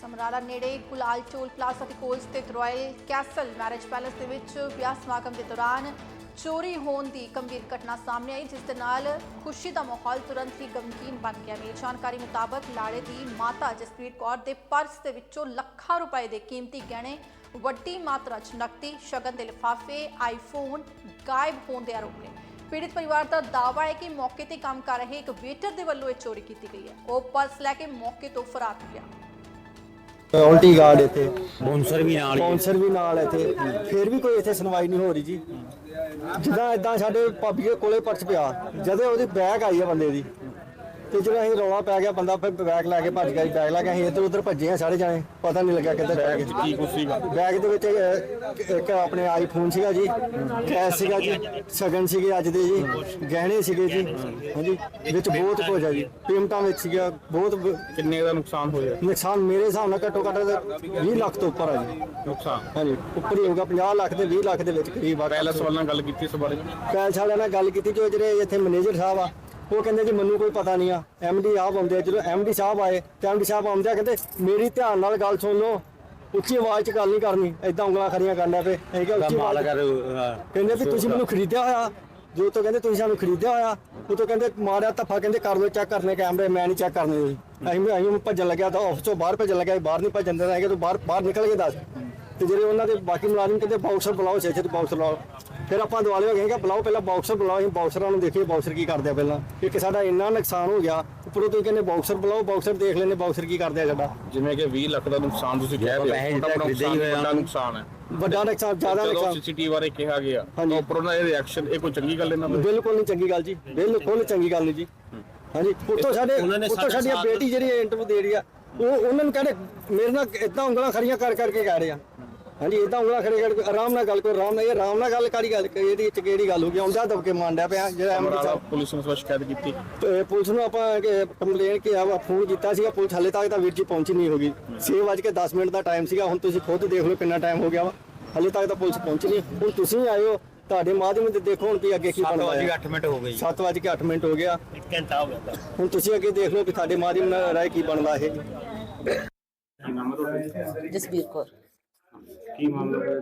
ਸਮਰਾਲਾ ਨੇੜੇ ਗੁਲਾਲ ਚੋਲ ਪਲਾਜ਼ਾ ਦੇ ਕੋਲ ਸਥਿਤ ਰਾਇਲ ਕੈਸਲ ਮੈਰਿਜ ਪੈਲੇਸ ਦੇ ਵਿੱਚ ਵਿਆਹ ਸਮਾਗਮ ਦੇ ਦੌਰਾਨ ਚੋਰੀ ਹੋਣ ਦੀ ਗੰਭੀਰ ਘਟਨਾ ਸਾਹਮਣੇ ਆਈ, ਜਿਸ ਦੇ ਨਾਲ ਖੁਸ਼ੀ ਦਾ ਮਾਹੌਲ ਤੁਰੰਤ ਹੀ ਗਮਗੀਨ ਬਣ ਗਿਆ। ਮਿਲੀ ਜਾਣਕਾਰੀ ਮੁਤਾਬਕ ਲਾੜੇ ਦੀ ਮਾਤਾ ਜਸਪ੍ਰੀਤ ਕੌਰ ਦੇ ਪਰਸ ਦੇ ਵਿੱਚੋਂ ਲੱਖਾਂ ਰੁਪਏ ਦੇ ਕੀਮਤੀ ਗਹਿਣੇ, ਵੱਡੀ ਮਾਤਰਾ 'ਚ ਨਕਦੀ, ਸ਼ਗਨ ਦੇ ਲਿਫਾਫੇ, ਆਈਫੋਨ ਗਾਇਬ ਹੋਣ ਦੇ ਆਰੋਪ ਨੇ। ਪੀੜਿਤ ਪਰਿਵਾਰ ਦਾ ਦਾਅਵਾ ਹੈ ਕਿ ਮੌਕੇ ਤੇ ਕੰਮ ਕਰ ਰਹੇ ਇੱਕ ਵੇਟਰ ਦੇ ਵੱਲੋਂ ਇਹ ਚੋਰੀ ਕੀਤੀ ਗਈ ਹੈ। ਉਹ ਪਰਸ ਲੈ ਕੇ ਮੌਕੇ ਤੋਂ ਫਰਾਰ ਹੋ ਗਿਆ। ਉਲਟੀ ਗਾਰਡ ਇੱਥੇ ਸਪਾਂਸਰ ਵੀ ਨਾਲ ਇੱਥੇ ਫਿਰ ਵੀ ਕੋਈ ਇੱਥੇ ਸੁਣਵਾਈ ਨਹੀਂ ਹੋ ਰਹੀ ਜੀ। ਜਿੱਦਾਂ ਇਦਾਂ ਸਾਡੇ ਭਾਬੀ ਦੇ ਕੋਲੇ ਪਰਸ ਪਿਆ, ਜਦੋਂ ਉਹਦੀ ਬੈਗ ਆਈ ਹੈ ਬੰਦੇ ਦੀ, ਤੇ ਜਦੋਂ ਅਸੀਂ ਰੌਲਾ ਪੈ ਗਿਆ, ਬੰਦਾ ਫਿਰ ਬੈਗ ਲੈ ਕੇ ਭੱਜ ਗਿਆ। ਬੈਗ ਲੈ ਕੇ ਅਸੀਂ ਇੱਧਰ ਉੱਧਰ ਭੱਜੇ ਆ ਸਾਰੇ ਜਾਣੇ, ਪਤਾ ਨਹੀਂ ਲੱਗਿਆ ਕਿੱਧਰ ਬੈਗ ਕੀ ਕੁਛ ਸੀਗਾ। ਬੈਗ ਦੇ ਵਿੱਚ ਇੱਕ ਆਪਣੇ ਆਈਫੋਨ ਸੀਗਾ ਜੀ, ਕੈਸ਼ ਸੀਗਾ ਜੀ, ਸ਼ਗਨ ਸੀਗੇ ਅੱਜ ਦੇ ਜੀ, ਗਹਿਣੇ ਸੀਗੇ ਜੀ, ਹਾਂਜੀ ਵਿੱਚ ਬਹੁਤ ਕੁਝ ਆ ਜੀ, ਪੇਮੈਂਟਾਂ ਵਿੱਚ ਸੀਗਾ ਬਹੁਤ। ਕਿੰਨੇ ਦਾ ਨੁਕਸਾਨ ਹੋਇਆ? ਨੁਕਸਾਨ ਮੇਰੇ ਹਿਸਾਬ ਨਾਲ ਘੱਟੋ ਘੱਟ 20 ਲੱਖ ਤੋਂ ਉੱਪਰ ਆ ਜੀ ਨੁਕਸਾਨ। ਹਾਂਜੀ ਉੱਪਰ ਹੀ ਹੋਊਗਾ, 50 ਲੱਖ ਤੇ 20 ਲੱਖ ਦੇ ਵਿੱਚ ਕਰੀਬ ਆ। ਪੈਲਸ ਵਾਲਿਆਂ ਨਾਲ ਗੱਲ ਕੀਤੀ ਇਸ ਬਾਰੇ? ਪੈਲਸ ਵਾਲਿਆਂ ਨਾਲ ਗੱਲ ਕੀਤੀ, ਜੋ ਜਿਹੜੇ ਇੱਥੇ ਮੈਨੇਜਰ ਸਾਹਿਬ ਆ, ਉਹ ਕਹਿੰਦੇ ਜੀ ਮੈਨੂੰ ਕੋਈ ਪਤਾ ਨਹੀਂ ਆ। ਐਮਡੀ ਸਾਹਿਬ ਆਉਂਦੇ ਆ, ਜਦੋਂ ਐਮਡੀ ਸਾਹਿਬ ਆਏ ਤੇ ਐਮਡੀ ਸਾਹਿਬ ਆਉਂਦੇ ਆ ਕਹਿੰਦੇ ਮੇਰੀ ਧਿਆਨ ਨਾਲ ਗੱਲ ਸੁਣ ਲਓ, ਉੱਚੀ ਆਵਾਜ਼ 'ਚ ਗੱਲ ਨਹੀਂ ਕਰਨੀ, ਏਦਾਂ ਉਂਗਲਾਂ ਖੜੀਆਂ ਕਰਨਾ ਪਏ। ਅਸੀਂ ਕਿਹਾ ਉੱਚੀ ਆਵਾਜ਼ ਕਹਿੰਦੇ ਵੀ ਤੁਸੀਂ ਮੈਨੂੰ ਖਰੀਦਿਆ ਹੋਇਆ, ਜੋ ਤੋਂ ਕਹਿੰਦੇ ਤੁਸੀਂ ਸਾਨੂੰ ਖਰੀਦਿਆ ਹੋਇਆ, ਉਹ ਤੋਂ ਕਹਿੰਦੇ ਮਾਰਿਆ ਧੱਫਾ, ਕਹਿੰਦੇ ਕਰ ਲਓ ਚੈੱਕ ਕਰਨੇ ਕੈਮਰੇ, ਮੈਂ ਨਹੀਂ ਚੈੱਕ ਕਰਨੇ ਜੀ। ਅਸੀਂ ਭੱਜਣ ਲੱਗਿਆ ਤਾਂ ਆਫਿਸ ਤੋਂ ਬਾਹਰ ਭੱਜਣ ਲੱਗਿਆ, ਬਾਹਰ ਨਹੀਂ ਭੱਜਣ ਦੇਣਾ ਹੈਗਾ, ਤੂੰ ਬਾਹਰ ਨਿਕਲ ਕੇ ਦੱਸ। ਤੇ ਜਿਹੜੇ ਉਹਨਾਂ ਦੇ ਬਾਕੀ ਮੁਲਾਜ਼ਮ ਕਹਿੰਦੇ ਬਾਕਸਰ ਬੁਲਾਓ, ਛੇ ਬਾਕਸਰ ਬੁਲਾਓ। ਫਿਰ ਆਪਾਂ ਦੁਆਲੇ ਹੋ ਗਏ ਕਿ ਬੁਲਾਓ, ਪਹਿਲਾਂ ਬਾਕਸਰ ਬੁਲਾਓ। ਅਸੀਂ ਬਾਕਸਰਾਂ ਨੂੰ ਦੇਖੀਏ ਬਾਕਸਰ ਕੀ ਕਰਦੇ ਆ ਪਹਿਲਾਂ, ਕਿ ਸਾਡਾ ਇੰਨਾ ਨੁਕਸਾਨ ਹੋ ਗਿਆ, ਉੱਪਰੋਂ ਤੁਸੀਂ ਕਹਿੰਦੇ ਬਾਕਸਰ ਬੁਲਾਓ, ਬਾਕਸਰ ਦੇਖ ਲੈਂਦੇ ਬਾਕਸਰ ਕੀ ਕਰਦੇ ਆ ਸਾਡਾ। ਜਿਵੇਂ ਕਿ 20 ਲੱਖ ਦਾ ਨੁਕਸਾਨ ਤੁਸੀਂ ਕਹਿ ਰਹੇ ਹੋ, ਵੱਡਾ ਨੁਕਸਾਨ ਹੈ, ਵੱਡਾ ਨੁਕਸਾਨ, ਜ਼ਿਆਦਾ ਨੁਕਸਾਨ। ਸੀਸੀਟੀਵੀ ਬਾਰੇ ਕਿਹਾ ਗਿਆ, ਉੱਪਰੋਂ ਦਾ ਇਹ ਰਿਐਕਸ਼ਨ, ਇਹ ਕੋਈ ਚੰਗੀ ਗੱਲ ਇਹਨਾਂ ਦੀ? ਬਿਲਕੁਲ ਨਹੀਂ ਚੰਗੀ ਗੱਲ ਜੀ, ਬਿਲਕੁਲ ਚੰਗੀ ਗੱਲ ਨਹੀਂ ਜੀ। ਹਾਂਜੀ ਉੱਤੋਂ ਸਾਡੀ ਬੇਟੀ ਜਿਹੜੀ ਇੰਟਰਵਿਊ ਦੇ ਰਹੀ ਆ, ਉਹ ਉਹਨਾਂ ਨੂੰ ਕਹਿੰਦੇ ਮੇਰੇ ਨਾਲ ਇਦਾਂ ਉਂਗਲਾਂ ਖੜੀਆਂ ਕਰਕੇ ਕਹਿ ਰਹੇ ਆ। ਹਾਂਜੀ ਇਦਾਂ ਉਂਗਲਾਂ ਖੜੇ ਕਰਕੇ ਆਰਾਮ ਨਾਲ ਗੱਲ ਕਰੋ, ਆਰਾਮ ਨਾਲ। ਇਹ ਆਰਾਮ ਨਾਲ ਗੱਲ ਕਾੜੀ ਗੱਲ, ਇਹਦੀ ਚ ਕਿਹੜੀ ਗੱਲ ਹੋ ਗਈ? ਆਉਂਦਾ ਦਬਕੇ ਮਾਰਦਾ ਪਿਆ ਜਿਹੜਾ ਐਮਡੀ ਸਾਹਿਬ। ਪੁਲਿਸ ਨੂੰ ਸ਼ਿਕਾਇਤ ਕੀਤੀ? ਪੁਲਿਸ ਨੂੰ ਆਪਾਂ ਕੰਪਲੇਨ ਕਿ ਫੋਨ ਕੀਤਾ ਸੀਗਾ, ਪੁਲਿਸ ਹਾਲੇ ਤੱਕ ਤਾਂ ਵੀਰ ਜੀ ਪਹੁੰਚੀ ਨਹੀਂ ਹੋਗੀ। 6:10 ਦਾ ਟਾਈਮ ਸੀਗਾ, ਹੁਣ ਤੁਸੀਂ ਖੁਦ ਦੇਖ ਲਓ ਕਿੰਨਾ ਟਾਈਮ ਹੋ ਗਿਆ ਵਾ, ਹਾਲੇ ਤੱਕ ਤਾਂ ਪੁਲਿਸ ਪਹੁੰਚੀ ਨਹੀਂ। ਹੁਣ ਤੁਸੀਂ ਆਏ ਹੋ, ਤੁਹਾਡੇ ਮਾਧਿਅਮ ਤੇ ਦੇਖੋ ਹੁਣ ਵੀ ਅੱਗੇ ਕੀ ਬਣਦਾ ਹੈ। 7:08 ਮਿੰਟ ਹੋ ਗਈ, 7:08 ਮਿੰਟ ਹੋ ਗਿਆ, 1 ਘੰਟਾ ਹੋ ਗਿਆ। ਹੁਣ ਤੁਸੀਂ ਅੱਗੇ ਦੇਖ ਲਓ ਕਿ ਤੁਹਾਡੇ ਮਾਧਿਅਮ ਨਾਲ ਰਾਏ ਕੀ ਬਣਦਾ ਇਹ। ਕੀ ਨਾਮ ਹੈ ਤੁਹਾਡਾ? ਜਸਬੀਰ ਕੌਰ। ਕੀ ਮਾਮਲਾ ਹੋਇਆ?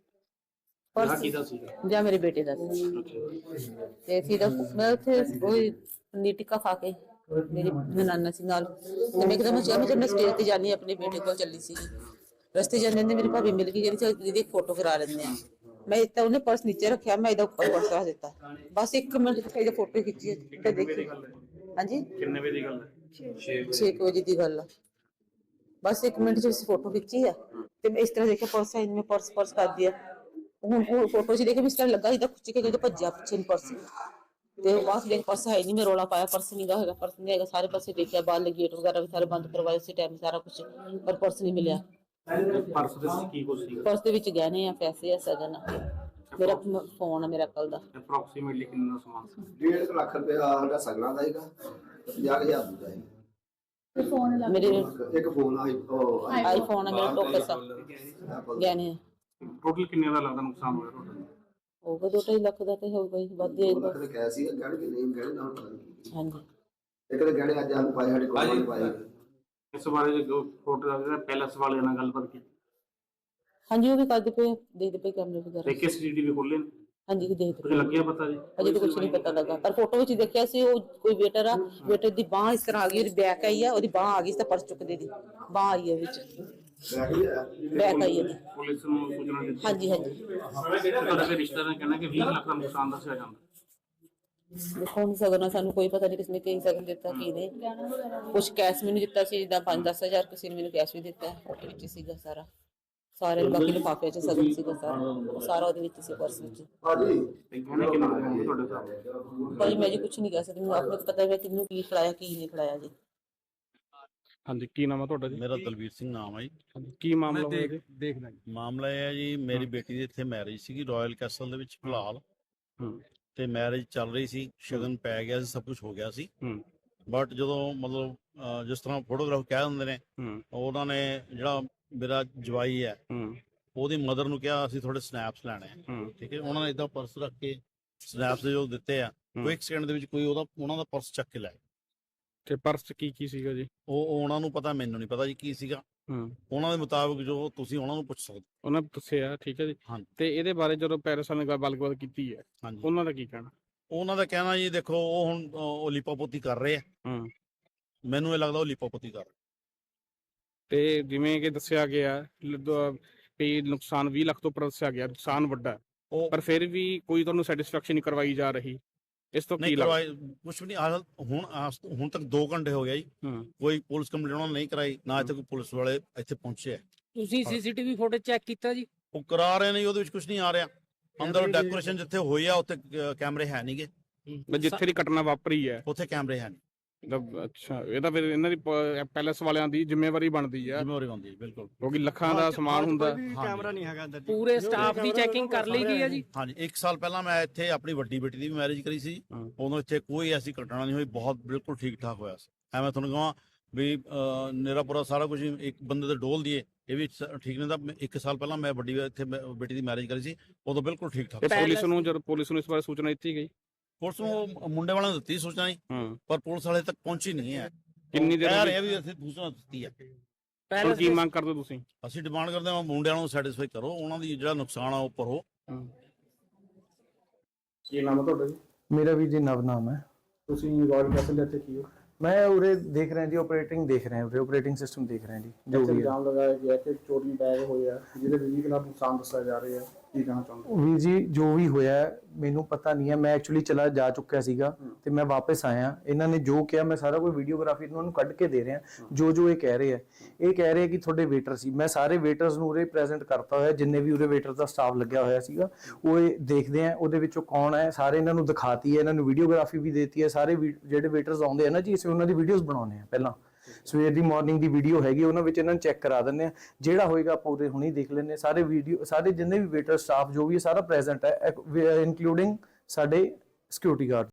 ਪਰਸ ਕਿਹਦਾ ਸੀਗਾ? ਜਾਂ ਮੇਰੇ ਬੇਟੇ ਦਾ ਸੀ। ਤੇ ਫਿਰ ਮੈਂ ਉੱਥੇ ਉਹ ਪਨੀਰ ਟਿੱਕਾ ਖਾ ਕੇ ਮੇਰੀ ਨਨਾਨਾ ਸੀ ਨਾਲ, ਤੇ ਮੈਂ ਇੱਕਦਮ ਚਾਹ ਮੈਂ ਸਟੇਜ ਤੇ ਜਾਣੀ ਆਪਣੇ ਬੇਟੇ ਕੋਲ ਚੱਲੀ ਸੀ। ਰਸਤੇ ਜਾਂਦੇ ਨੇ ਮੇਰੀ ਭਾਬੀ ਮਿਲ ਗਈ, ਕਹਿੰਦੀ ਦੀਦੀ ਇੱਕ ਫੋਟੋ ਕਰਾ ਲੈਂਦੇ ਆ। ਮੈਂ ਤਾਂ ਉਹਨੇ ਪਰਸ ਨੀਚੇ ਰੱਖਿਆ, ਮੈਂ ਇਹਦਾ ਉੱਪਰ ਪਰਸ ਰੱਖ ਦਿੱਤਾ। ਬਸ 1 ਮਿੰਟ ਤੱਕ ਇਹਦੀ ਫੋਟੋ ਖਿੱਚੀ ਤੇ ਦੇਖੀ। ਹਾਂਜੀ ਕਿੰਨੇ ਵਜੇ ਦੀ ਗੱਲ ਹੈ? 6 ਵਜੇ ਦੀ ਗੱਲ ਆ। ਬਸ 1 ਮਿੰਟ ਚ ਅਸੀਂ ਫੋਟੋ ਖਿੱਚੀ ਆ, ਤੇ ਮੈਂ ਇਸ ਤਰ੍ਹਾਂ ਦੇਖਿਆ ਪਰਸ ਹੈ, ਮੈਂ ਪਰਸ ਕਰ ਦਿਆ। ਹੁਣ ਫੋਟੋ ਚ ਦੇਖੇ ਇਸ ਤਰ੍ਹਾਂ ਲੱਗਾ ਇਹਦਾ ਖੁੱਚ ਕੇ ਭੱਜਿਆ ਪਿੱਛੇ ਨੂੰ ਪਰਸ, ਤੇ ਬਾਅਦ ਦੇਖ ਪਰਸ ਹੈ ਨਹੀਂ। ਮੈਂ ਰੌਲਾ ਪਾਇਆ ਪਰਸ ਨਹੀਂ ਹੈਗਾ, ਪਰਸ ਨਹੀਂ ਹੈਗਾ। ਸਾਰੇ ਪਾਸੇ ਦੇਖਿਆ, ਬਾਹਰ ਗੇਟ ਵਗੈਰਾ ਵੀ ਸਾਰੇ ਬੰਦ ਕਰਵਾਏ ਸੀ ਟਾਈਮ, ਸਾਰਾ ਕੁਝ, ਪਰ ਪਰਸ ਨਹੀਂ ਮਿਲਿਆ। ਪਰਸ ਦੇ ਵਿੱਚ ਕੀ ਕੁਝ ਸੀ? ਪਰਸ ਦੇ ਵਿੱਚ ਗਹਿਣੇ ਆ, ਪੈਸੇ ਆ, ਸਗਨ ਆ, ਮੇਰਾ ਫੋਨ ਆ, ਮੇਰਾ ਕੱਲ ਦਾ। ਅਪਰੋਕਸੀਮੇਟਲੀ ਕਿੰਨਾ ਸਮਾਨ ਸੀ? 1.5 ਲੱਖ ਰੁਪਏ ਸਾਡਾ ਸਗਣਾ ਦਾ ਹੈਗਾ, 50,000 ਦਾ ਹੈਗਾ। ਮੇਰੇ ਇੱਕ ਫੋਨ ਆਈਫੋਨ ਆ, ਮੇਰਾ ਟੋਕਸ ਆ, ਗਹਿਣੇ ਆ। ਟੋਟਲ ਕਿੰਨੇ ਦਾ ਲੱਗਦਾ ਨੁਕਸਾਨ ਹੋਇਆ ਤੁਹਾਡਾ? ਹੋਊਗਾ 2-2.5 ਲੱਖ ਦਾ ਤੇ ਹੋਊਗਾ ਹੀ, ਵੱਧ ਜਾਏਗਾ। ਲੱਖ ਕਹਿ ਸੀ ਗਹਿਣੇ ਕਿ ਨਹੀਂ ਗਹਿਣੇ ਨਾਲ ਪਤਾ ਨਹੀਂ। ਹਾਂਜੀ ਇੱਕ ਦੇ ਗਹਿਣੇ ਅੱਜ ਸਾਨੂੰ ਪਾਏ, ਸਾਡੇ ਕੋਲ ਨਹੀਂ ਪਾਏ। ਇਸ ਬਾਰੇ ਜੋ ਫੋਟੋ ਦਾ ਪੈਲਸ ਵਾਲਿਆਂ ਨਾਲ ਗੱਲਬਾਤ ਕੀਤੀ? ਹਾਂਜੀ ਉਹ ਵੀ ਕਰਦੇ ਪਏ, ਦੇਖਦੇ ਪਏ ਕੈਮਰੇ ਵਗੈਰਾ। ਦੇਖੇ ਸੀਸੀਟੀਵੀ ਖੋਲੇ? ਹਾਂਜੀ ਦੇਖਦੇ ਕੁਝ ਲੱਗਿਆ ਪਤਾ ਜੀ? ਅਜੇ ਤਾਂ ਕੁਝ ਨਹੀਂ ਪਤਾ ਲੱਗਾ, ਪਰ ਫੋਟੋ ਵਿੱਚ ਦੇਖਿਆ ਸੀ ਉਹ ਕੋਈ ਵੇਟਰ ਆ, ਵੇਟਰ ਦੀ ਬਾਹ ਇਸ ਤਰ੍ਹਾਂ ਆ ਗਈ, ਉਹਦੀ ਬੈਕ ਆਈ ਆ, ਉਹਦੀ ਬਾਹ ਆ ਗਈ ਤਾਂ ਪਰਸ ਚੁੱਕਦੇ ਦੀ ਬਾਹ ਆਈ ਹੈ ਵਿੱਚ, ਬੈਕ ਆਈ ਹੈ। ਪੁਲਿਸ ਨੂੰ ਸੂਚਨਾ ਦਿੱਤੀ? ਹਾਂਜੀ ਤੁਹਾਡੇ ਦੇ ਰਿਸ਼ਤੇਦਾਰਾਂ ਨੇ ਕਹਿਣਾ ਕਿ 20 ਲੱਖ ਦਾ ਨੁਕਸਾਨ ਦੱਸਿਆ ਜਾਂਦਾ। ਦੇਖੋ ਹੁਣ ਸਗਨ ਸਾਨੂੰ ਕੋਈ ਪਤਾ ਨਹੀਂ ਕਿਸਨੇ ਕੀ ਸਗਨ ਦਿੱਤਾ ਕੀ ਨਹੀਂ। ਕੁਝ ਕੈਸ਼ ਮੈਨੂੰ ਦਿੱਤਾ ਸੀ, ਜਿੱਦਾਂ 5-10 ਹਜ਼ਾਰ ਕਿਸੇ ਨੇ ਮੈਨੂੰ ਕੈਸ਼ ਵੀ ਦਿੱਤਾ, ਉਹਦੇ ਵਿੱਚ ਸੀਗਾ ਸਾਰਾ, ਸਾਰੇ ਬਾਕੀ ਲਿਫਾਫੇ 'ਚ ਸਗਨ ਸੀਗਾ ਸਾਰਾ ਉਹਦੇ ਵਿੱਚ ਸੀ, ਪਰਸ ਵਿੱਚ। ਹਾਂਜੀ ਗਹਿਣੇ ਕਿੰਨੇ ਹੋਣਗੇ ਤੁਹਾਡੇ ਹਿਸਾਬ? ਭਾਈ ਮੈਂ ਜੀ ਕੁਝ ਨਹੀਂ ਕਹਿ ਸਕਦੀ, ਮੈਨੂੰ ਆਪਣੇ ਨੂੰ ਪਤਾ ਹੈ ਕਿਹਨੂੰ ਕੀ ਖਿਲਾਇਆ ਕੀ ਨਹੀਂ ਖਿਲਾਇਆ ਜੀ। ਹਾਂਜੀ ਕੀ ਨਾਮ ਹੈ ਤੁਹਾਡਾ ਜੀ? ਮੇਰਾ ਦਲਵੀਰ ਸਿੰਘ ਨਾਮ ਹੈ ਜੀ। ਕੀ ਮਾਮਲਾ ਹੋਇਆ ਜੀ? ਦੇਖਦਾ ਮਾਮਲਾ ਇਹ ਹੈ ਜੀ, ਮੇਰੀ ਬੇਟੀ ਦੀ ਇੱਥੇ ਮੈਰਿਜ ਸੀਗੀ ਰਾਇਲ ਕੈਸਲ ਦੇ ਵਿੱਚ ਫਿਲਹਾਲ, ਤੇ ਮੈਰਿਜ ਚੱਲ ਰਹੀ ਸੀ, ਸ਼ਗਨ ਪੈ ਗਿਆ ਸੀ, ਸਭ ਕੁਝ ਹੋ ਗਿਆ ਸੀ। ਬਟ ਜਦੋਂ ਮਤਲਬ ਜਿਸ ਤਰ੍ਹਾਂ ਫੋਟੋਗ੍ਰਾਫ ਕਹਿ ਦਿੰਦੇ ਨੇ, ਉਹਨਾਂ ਨੇ ਜਿਹੜਾ ਮੇਰਾ ਜਵਾਈ ਹੈ ਉਹਦੀ ਮਦਰ ਨੂੰ ਕਿਹਾ ਅਸੀਂ ਥੋੜੇ ਸਨੈਪਸ ਲੈਣੇ ਆ, ਠੀਕ ਹੈ। ਉਹਨਾਂ ਨੇ ਏਦਾਂ ਪਰਸ ਰੱਖ ਕੇ ਸਨੈਪਸ ਜੋ ਦਿੱਤੇ ਆ, ਕੋਈ 1 ਸੈਕਿੰਡ ਦੇ ਵਿੱਚ ਕੋਈ ਉਹਨਾਂ ਦਾ ਪਰਸ ਚੱਕ ਕੇ ਲੈ। ਤੇ ਪਰਸ ਕੀ ਸੀਗਾ ਜੀ? ਉਹ ਉਹਨਾਂ ਨੂੰ ਪਤਾ, ਮੈਨੂੰ ਨਹੀਂ ਪਤਾ ਜੀ ਕੀ ਸੀਗਾ। ਉਹਨਾਂ ਦੇ ਮੁਤਾਬਕ ਜੋ ਤੁਸੀਂ ਉਹਨਾਂ ਨੂੰ ਪੁੱਛ ਸਕਦੇ ਉਹਨਾਂ ਨੇ ਦੱਸਿਆ, ਠੀਕ ਹੈ ਜੀ। ਹਾਂਜੀ। ਤੇ ਇਹਦੇ ਬਾਰੇ ਜਦੋਂ ਪੈਰਿਸ ਵਾਲਿਆਂ ਨੇ ਗੱਲਬਾਤ ਕੀਤੀ ਹੈ, ਹਾਂਜੀ ਉਹਨਾਂ ਦਾ ਕੀ ਕਹਿਣਾ? ਉਹਨਾਂ ਦਾ ਕਹਿਣਾ ਜੀ ਦੇਖੋ ਉਹ ਹੁਣ ਉਹ ਲਿਪੋਪੋਤੀ ਕਰ ਰਹੇ ਆ। ਮੈਨੂੰ ਇਹ ਲੱਗਦਾ ਉਹ ਲਿਪੋਪੋਤੀ ਕਰ ਰਹੇ। ਤੇ ਜਿਵੇਂ ਕਿ ਦੱਸਿਆ ਗਿਆ ਵੀ ਨੁਕਸਾਨ 20 ਲੱਖ ਤੋਂ ਉੱਪਰ ਦੱਸਿਆ ਗਿਆ, ਨੁਕਸਾਨ ਵੱਡਾ ਹੈ, ਉਹ ਪਰ ਫਿਰ ਵੀ ਕੋਈ ਤੁਹਾਨੂੰ ਸੈਟੀਸਫੈਕਸ਼ਨ ਨਹੀਂ ਕਰਵਾਈ ਜਾ ਰਹੀ, ਇਸ ਤੋਂ ਕੀ ਨਹੀਂ ਲੱਗਦਾ? ਕਰਵਾਏ ਕੁਛ ਵੀ ਨਹੀਂ। ਹੁਣ ਤੱਕ 2 ਘੰਟੇ ਹੋ ਗਿਆ ਜੀ, ਕੋਈ ਪੁਲਿਸ ਕੰਪਲੇਂਟ ਉਹਨਾਂ ਨੇ ਨਹੀਂ ਕਰਾਈ, ਨਾ ਇੱਥੇ ਕੋਈ ਪੁਲਿਸ ਵਾਲੇ ਇੱਥੇ ਪਹੁੰਚੇ ਆ। ਤੁਸੀਂ ਸੀਸੀਟੀਵੀ ਫੁਟੇਜ ਚੈੱਕ ਕੀਤਾ ਜੀ? ਉਹ ਕਰਾ ਰਹੇ ਨੇ, ਉਹਦੇ ਵਿੱਚ ਕੁਝ ਨਹੀਂ ਆ ਰਿਹਾ। ਅੰਦਰ ਡੈਕੋਰੇਸ਼ਨ ਜਿੱਥੇ ਹੋਈ ਆ ਉੱਥੇ ਕੈਮਰੇ ਹੈ ਨਹੀਂਗੇ। ਜਿੱਥੇ ਦੀ ਘਟਨਾ ਵਾਪਰੀ ਹੈ ਉੱਥੇ ਕੈਮਰੇ ਹੈ ਨਹੀਂ। ਅੱਛਾ, ਇਹ ਤਾਂ ਫਿਰ ਇਹਨਾਂ ਦੀ ਪੈਲੇਸ ਵਾਲਿਆਂ ਦੀ ਜ਼ਿੰਮੇਵਾਰੀ ਬਣਦੀ ਹੈ, ਜ਼ਿੰਮੇਵਾਰੀ ਬਣਦੀ ਹੈ ਬਿਲਕੁਲ, ਕਿਉਂਕਿ ਲੱਖਾਂ ਦਾ ਸਮਾਨ ਹੁੰਦਾ। ਕੈਮਰਾ ਨਹੀਂ ਹੈਗਾ ਅੰਦਰ। ਪੂਰੇ ਸਟਾਫ ਦੀ ਚੈਕਿੰਗ ਕਰ ਲਈ ਗਈ ਹੈ ਜੀ? ਹਾਂਜੀ 1 ਸਾਲ ਪਹਿਲਾਂ ਮੈਂ ਇੱਥੇ ਆਪਣੀ ਵੱਡੀ ਬੇਟੀ ਦੀ ਵੀ ਮੈਰਿਜ ਕਰੀ ਸੀ, ਉਦੋਂ ਇੱਥੇ ਕੋਈ ਐਸੀ ਘਟਨਾ ਨਹੀਂ ਹੋਈ, ਬਹੁਤ ਬਿਲਕੁਲ ਠੀਕ ਠਾਕ ਹੋਇਆ ਸੀ। ਐਵੇਂ ਤੁਹਾਨੂੰ ਕਹਾਂ ਵੀ ਮੇਰਾ ਪੂਰਾ ਸਾਰਾ ਕੁਝ ਇੱਕ ਬੰਦੇ ਦੇ ਡੋਲ ਦੀਏ ਇਹ ਵੀ ਠੀਕ ਨਹੀਂ। ਤਾਂ 1 ਸਾਲ ਪਹਿਲਾਂ ਮੈਂ ਵੱਡੀ ਇੱਥੇ ਬੇਟੀ ਦੀ ਮੈਰਿਜ ਕਰੀ ਸੀ, ਉਦੋਂ ਬਿਲਕੁਲ ਠੀਕ ਠਾਕ। ਪੁਲਿਸ ਨੂੰ ਜਦੋਂ ਪੁਲਿਸ ਨੂੰ ਇਸ ਬਾਰੇ ਸੂਚਨਾ ਦਿੱਤੀ ਗਈ? ਪੁਲਿਸ ਨੂੰ ਮੁੰਡੇ ਵਾਲਿਆਂ ਨੇ ਦਿੱਤੀ ਸੂਚਨਾ ਜੀ, ਪਰ ਪੁਲਿਸ ਵਾਲੇ ਤੱਕ ਪਹੁੰਚੀ ਨਹੀਂ ਹੈ। ਕਿੰਨੀ ਦੇਰ ਕਹਿ ਰਹੇ ਵੀ ਅਸੀਂ ਸੂਚਨਾ ਦਿੱਤੀ ਹੈ। ਕੀ ਮੰਗ ਕਰਦੇ ਤੁਸੀਂ? ਅਸੀਂ ਡਿਮਾਂਡ ਕਰਦੇ ਹਾਂ ਮੁੰਡਿਆਂ ਨੂੰ ਸੈਟੀਸਫਾਈ ਕਰੋ, ਉਹਨਾਂ ਦੀ ਜਿਹੜਾ ਨੁਕਸਾਨ ਆ ਉਹ ਭਰੋ। ਕੀ ਨਾਮ ਹੈ ਤੁਹਾਡਾ ਜੀ? ਮੇਰਾ ਵੀ ਜੀ ਨਵ ਨਾਮ ਹੈ। ਤੁਸੀਂ ਰॉयल ਕੈਸਲ ਦੇ ਇੱਥੇ ਕੀ ਹੋ? ਮੈਂ ਉਰੇ ਦੇਖ ਰਿਹਾ ਜੀ, ਆਪਰੇਟਿੰਗ ਦੇਖ ਰਹੇ ਹਾਂ, ਉਰੇ ਆਪਰੇਟਿੰਗ ਸਿਸਟਮ ਦੇਖ ਰਹੇ ਹਾਂ ਜੀ। ਜੋ ਵੀ ਇਲਜ਼ਾਮ ਲਗਾਇਆ ਗਿਆ ਕਿ ਚੋਰੀ ਬੈਗ ਹੋਇਆ ਜਿਹਦੇ 20 ਲੱਖ ਨੁਕਸਾਨ ਦੱਸਿਆ ਜਾ ਰਿਹਾ ਹੈ, ਕੀ ਕਹਿਣਾ ਚਾਹੁੰਦੇ? ਵੀਰ ਜੀ ਜੋ ਵੀ ਹੋਇਆ ਮੈਨੂੰ ਪਤਾ ਨਹੀਂ ਹੈ, ਮੈਂ ਐਕਚੁਅਲੀ ਚਲਾ ਜਾ ਚੁੱਕਿਆ ਸੀਗਾ ਤੇ ਮੈਂ ਵਾਪਸ ਆਇਆ। ਇਹਨਾਂ ਨੇ ਜੋ ਕਿਹਾ ਮੈਂ ਸਾਰਾ ਕੋਈ ਵੀਡੀਓਗ੍ਰਾਫੀ ਇਹਨਾਂ ਨੂੰ ਕੱਢ ਕੇ ਦੇ ਰਿਹਾ। ਜੋ ਇਹ ਕਹਿ ਰਹੇ ਆ, ਇਹ ਕਹਿ ਰਹੇ ਕਿ ਤੁਹਾਡੇ ਵੇਟਰ ਸੀ। ਮੈਂ ਸਾਰੇ ਵੇਟਰਸ ਨੂੰ ਉਰੇ ਪ੍ਰੈਜ਼ੈਂਟ ਕਰਤਾ ਹੋਇਆ, ਜਿੰਨੇ ਵੀ ਉਰੇ ਵੇਟਰ ਦਾ ਸਟਾਫ ਲੱਗਿਆ ਹੋਇਆ ਸੀਗਾ। ਉਹ ਇਹ ਦੇਖਦੇ ਆ ਉਹਦੇ ਵਿੱਚੋਂ ਕੌਣ ਹੈ, ਸਾਰੇ ਇਹਨਾਂ ਨੂੰ ਦਿਖਾਤੀ ਹੈ, ਇਹਨਾਂ ਨੂੰ ਵੀਡੀਓਗ੍ਰਾਫੀ ਵੀ ਦੇਤੀ ਹੈ। ਸਾਰੇ ਜਿਹੜੇ ਵੇਟਰਸ ਆਉਂਦੇ ਆ ਨਾ ਜੀ, ਅਸੀਂ ਉਹਨਾਂ ਦੀ ਵੀਡੀਓਜ਼ ਬਣਾਉਂਦੇ ਆ। ਪਹਿਲਾਂ ਸਵੇਰ ਦੀ ਮਾਰਨਿੰਗ ਦੀ ਵੀਡੀਓ ਹੈਗੀ, ਉਹਨਾਂ ਵਿੱਚ ਇਹਨਾਂ ਨੂੰ ਚੈੱਕ ਕਰਾ ਦਿੰਦੇ ਆ। ਜਿਹੜਾ ਹੋਏਗਾ ਆਪਾਂ ਉਹਦੇ ਹੁਣੇ ਦੇਖ ਲੈਂਦੇ ਆ। ਸਾਰੇ ਵੀਡੀਓ ਸਾਰੇ ਜਿੰਨੇ ਵੀ ਵੇਟਰ ਸਟਾਫ ਜੋ ਵੀ ਹੈ ਸਾਰਾ ਪ੍ਰੈਜ਼ੈਂਟ ਹੈ, ਇਨਕਲੂਡਿੰਗ ਸਾਡੇ ਸਿਕਿਉਰਿਟੀ ਗਾਰਡ।